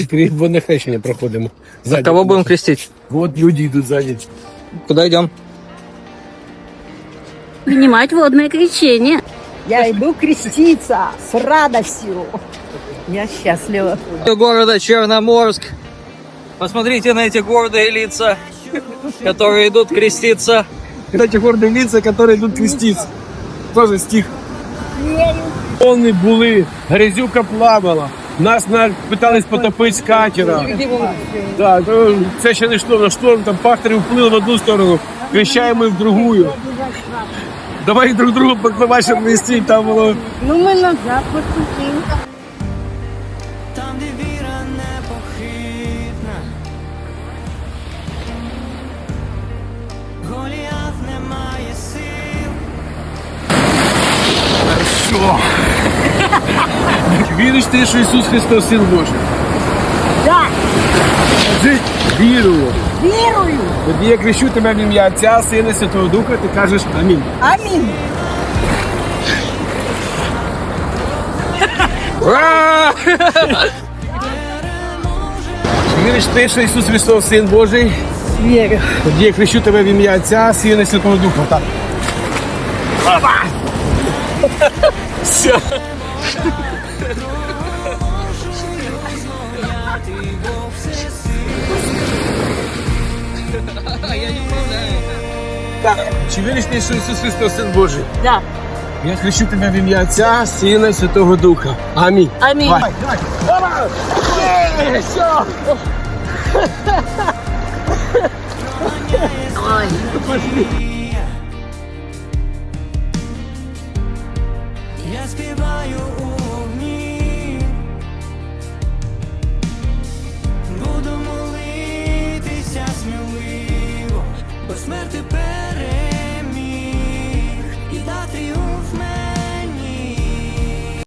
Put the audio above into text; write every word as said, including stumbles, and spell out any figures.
Водне хрещення проходимо. А кого будем крестить? Вот люди идут сзади. Куда идем? Принимать водное крещение. Я иду креститься с радостью. Я счастлива. Города Черноморск. Посмотрите на эти гордые лица, которые идут креститься. Эти гордые лица, которые идут креститься. Тоже стих. Вони були, грязюка плавала. Нас на- питались потопити з катера. Да, то це ще не шторм, на шторм, там пахтарі вплили в одну сторону, крещаємо в другую. Давай друг другу покривай, щоб не стій, там воно. Ну мы назад поступим. Там, де віра непохитна, Голіаф не має сил. Що? Віриш ти, що Ісус Христос Син Божий? Да, Ти вірую. верую. Тоді я крещу тебе в ім'я Отця, Сина, Святого Духа, ти кажеш амінь. Аминь. Ура! Віриш ти, що Ісус Христос Син Божий? Верю. Тоді я крещу тебе в ім'я Отця, Сина, Святого Духа. Так. Опа! Все. Так. Чи віриш ти, що Ісус Христос Син Божий? Да. Я хрещу тебе в ім'я Отця, Сина і Святого Духа. Амінь. Аминь. Давай, давай. Давай. Є, все. Я співаю у вогні, буду молитися сміливо, бо смерти